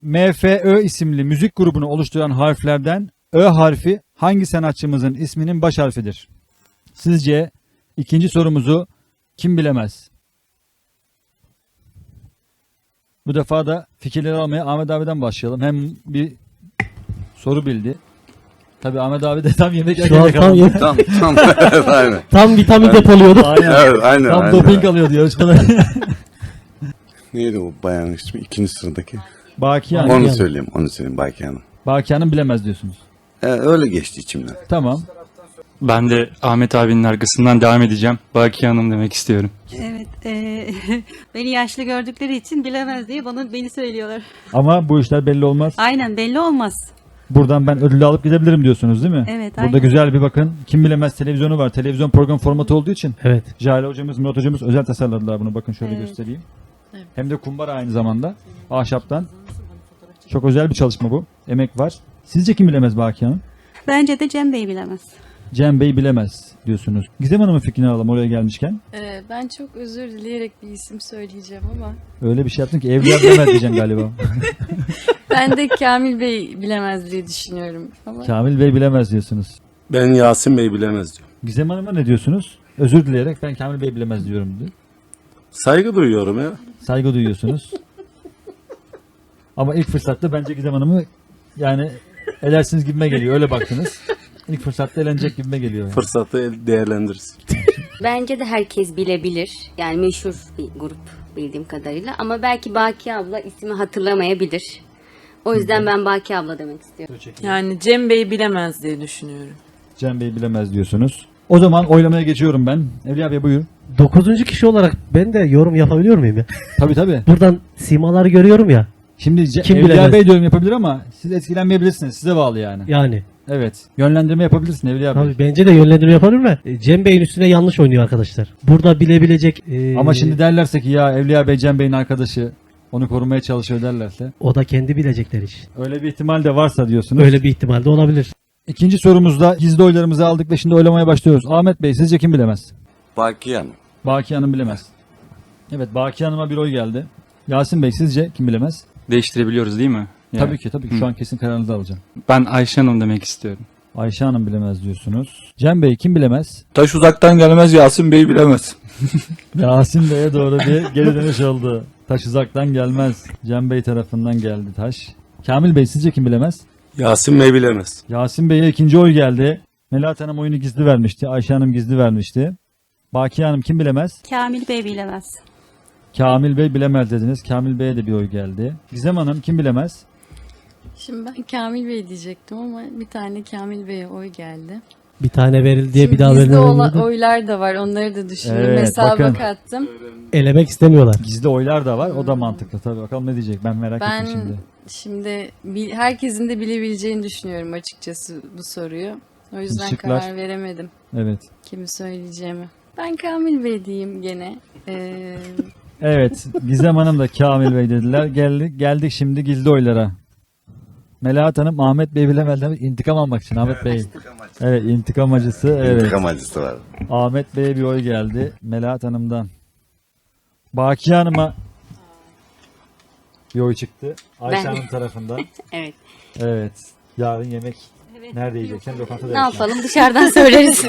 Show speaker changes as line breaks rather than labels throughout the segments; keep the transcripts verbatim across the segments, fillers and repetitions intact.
M F Ö isimli müzik grubunu oluşturan harflerden Ö harfi hangi sanatçımızın isminin baş harfidir? Sizce ikinci sorumuzu kim bilemez? Bu defa da fikirleri almaya Ahmet abiden başlayalım. Hem bir soru bildi. Tabii Ahmet abi de tam yemek
Şu
yerken
an tam,
yakalandı.
yem-
Tam tam evet, aynen.
tam vitamin depoluyordu.
Aynen.
Evet, aynen.
Tam
aynen.
doping alıyordu yarışmada.
Neydi o bayanın ismi? İkinci sıradaki.
Baki
Onu
Hanım.
Hanım.
söyleyeyim, onu söyleyeyim Baki Hanım.
Baki Hanım bilemez diyorsunuz.
Ee, öyle geçti içimden.
Tamam.
Ben de Ahmet abinin arkasından devam edeceğim. Baki Hanım demek istiyorum.
Evet, eee, beni yaşlı gördükleri için bilemez diye bana beni söylüyorlar.
Ama bu işler belli olmaz.
Aynen, belli olmaz.
Buradan ben ödülü alıp gidebilirim diyorsunuz değil mi?
Evet,
Burada
aynen.
güzel bir bakın. Kim bilemez televizyonu var. Televizyon program formatı olduğu için.
Evet.
Jale hocamız, Murat hocamız özel tasarladılar bunu. Bakın şöyle
Evet.
göstereyim. Hem de kumbara aynı zamanda. Ahşaptan. Çok özel bir çalışma bu. Emek var. Sizce kim bilemez Baki Hanım?
Bence de Cem Bey bilemez.
Cem Bey bilemez diyorsunuz. Gizem Hanım'ın fikrini alalım oraya gelmişken.
Ee, ben çok özür dileyerek bir isim söyleyeceğim ama
Öyle bir şey yaptın ki Evliya bilemez diyeceksin galiba.
ben de Kamil Bey bilemez diye düşünüyorum. Ama
Kamil Bey bilemez diyorsunuz.
Ben Yasin Bey bilemez diyorum.
Gizem Hanım'a ne diyorsunuz? Özür dileyerek ben Kamil Bey bilemez diyorum diyor.
Saygı duyuyorum ya.
Saygı duyuyorsunuz. Ama ilk fırsatta bence Gizem Hanım'ı yani edersiniz gibime geliyor. Öyle baktınız. İlk fırsatta elenecek gibime geliyor. Yani.
Fırsatı el- değerlendiririz.
Bence de herkes bilebilir. Yani meşhur bir grup bildiğim kadarıyla. Ama belki Baki abla ismi hatırlamayabilir. O yüzden ben Baki abla demek istiyorum.
Yani Cem Bey bilemez diye düşünüyorum.
Cem Bey bilemez diyorsunuz. O zaman oylamaya geçiyorum ben. Evliya Bey buyur.
Dokuzuncu kişi olarak ben de yorum yapabiliyor muyum ya?
Tabii tabii.
Buradan simaları görüyorum ya.
Şimdi Ce-
Kim
Evliya
bilemez?
Bey diyorum yapabilir ama siz etkilenmeyebilirsiniz. Size bağlı yani.
Yani.
Evet. Yönlendirme yapabilirsin Evliya Bey.
Tabii bence de yönlendirme yapabilir mi? E, Cem Bey'in üstüne yanlış oynuyor arkadaşlar. Burada bilebilecek... e,
Ama şimdi derlerse ki ya Evliya Bey Cem Bey'in arkadaşı onu korumaya çalışıyor derlerse.
o da kendi bilecekler iş.
Öyle bir ihtimal de varsa diyorsunuz.
Öyle bir ihtimal de olabilir.
İkinci sorumuzda gizli oylarımızı aldık ve şimdi oylamaya başlıyoruz. Ahmet Bey sizce kim bilemez?
Baki Hanım.
Baki Hanım bilemez. Evet Baki Hanım'a bir oy geldi. Yasin Bey sizce kim bilemez?
Değiştirebiliyoruz değil mi? Yani.
Tabii ki tabii ki şu an kesin kararınızı alacağım.
Ben Ayşe Hanım demek istiyorum.
Ayşe Hanım bilemez diyorsunuz. Cem Bey kim bilemez?
Taş uzaktan gelmez, Yasin Bey bilemez.
Yasin Bey'e doğru bir geri dönüş oldu. Taş uzaktan gelmez. Cem Bey tarafından geldi taş. Kamil Bey sizce kim bilemez?
Yasin Bey bilemez.
Yasin Bey'e ikinci oy geldi. Melahat Hanım oyunu gizli vermişti. Ayşe Hanım gizli vermişti. Baki Hanım kim bilemez?
Kamil Bey bilemez.
Kamil Bey bilemez dediniz. Kamil Bey'e de bir oy geldi. Gizem Hanım kim bilemez?
şimdi ben Kamil Bey diyecektim ama bir tane Kamil Bey'e oy geldi.
Bir tane verildi diye
Şimdi
bir daha
gizli ola-
verilmedi.
oylar da var, onları da düşündüm.
Evet,
Hesaba
bakın.
kattım.
Elemek istemiyorlar.
Gizli oylar da var. O da mantıklı tabii. Bakalım ne diyecek. Ben merak
Ben
ettim şimdi.
şimdi bil- herkesin de bilebileceğini düşünüyorum açıkçası bu soruyu. O yüzden
Şıklar.
karar veremedim
Evet.
kimi söyleyeceğimi. Ben Kamil Bey diyeyim gene. Ee,
Evet. Gizem Hanım da Kamil Bey dediler. Geldik, geldik şimdi gizli oylara. Melahat Hanım Ahmet Bey bilemez demek. İntikam almak için Ahmet Bey. Evet intikam acısı. Evet.
İntikam acısı var.
Ahmet Bey'e bir oy geldi. Melahat Hanım'dan. Baki Hanım'a bir oy çıktı. Ayşe
Ben-
Hanım tarafından.
Evet.
Evet. Yarın yemek nerede yiyeceksen lokantada
Ne
yersin.
yapalım? Dışarıdan söyleriz.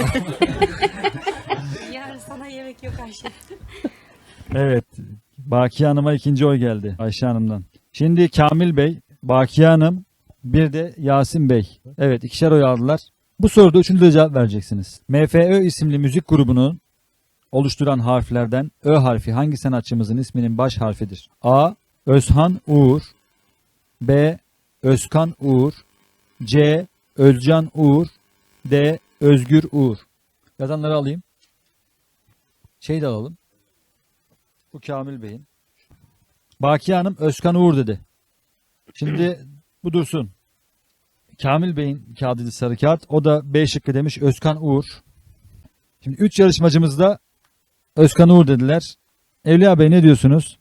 Yarın sana yemek yok Ayşe.
Evet. Baki Hanım'a ikinci oy geldi. Ayşe Hanım'dan. Şimdi Kamil Bey, Baki Hanım, bir de Yasin Bey. Evet ikişer oy aldılar. Bu soruda üçüncü de cevap vereceksiniz. M F Ö isimli müzik grubunu oluşturan harflerden Ö harfi hangi sanatçımızın isminin baş harfidir? A. Özhan Uğur B. Özkan Uğur C. Özcan Uğur D. Özgür Uğur. Yazanları alayım. Şey de alalım. Bu Kamil Bey'in. Baki Hanım Özkan Uğur dedi. Şimdi bu dursun. Kamil Bey'in kağıdıydı sarı kağıt. O da B şıkkı demiş Özkan Uğur. Şimdi üç yarışmacımız da Özkan Uğur dediler. Evliya Bey ne diyorsunuz?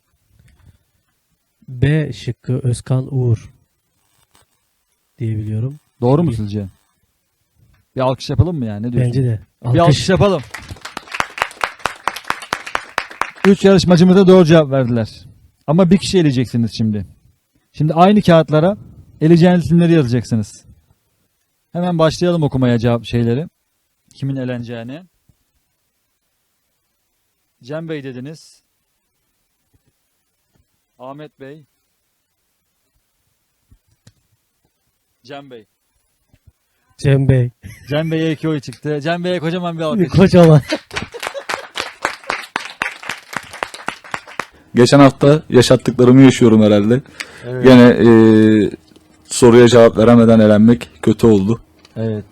B şıkkı Özkan Uğur diyebiliyorum.
Doğru mu sizce? Bir alkış yapalım mı yani? Ne diyorsun?
Bence de.
Bir alkış
Alkış.
yapalım. Üç yarışmacımız da doğru cevap verdiler. Ama bir kişi eleyeceksiniz şimdi. Şimdi aynı kağıtlara eleyeceğiniz isimleri yazacaksınız. Hemen başlayalım okumaya cevap şeyleri. Kimin eleneceğini. Cem Bey dediniz. Ahmet Bey. Cem Bey.
Cem Bey.
Cem Bey'e iki oy çıktı. Cem Bey'e kocaman bir alkış.
Kocaman.
Geçen hafta yaşattıklarımı yaşıyorum herhalde.
Evet.
Gene e, soruya cevap veremeden elenmek kötü oldu.
Evet.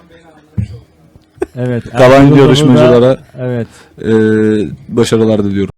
Evet.
Kalan
Ertuğrul Baba da-
yarışmacılara
Evet.
e, başarılar diliyorum.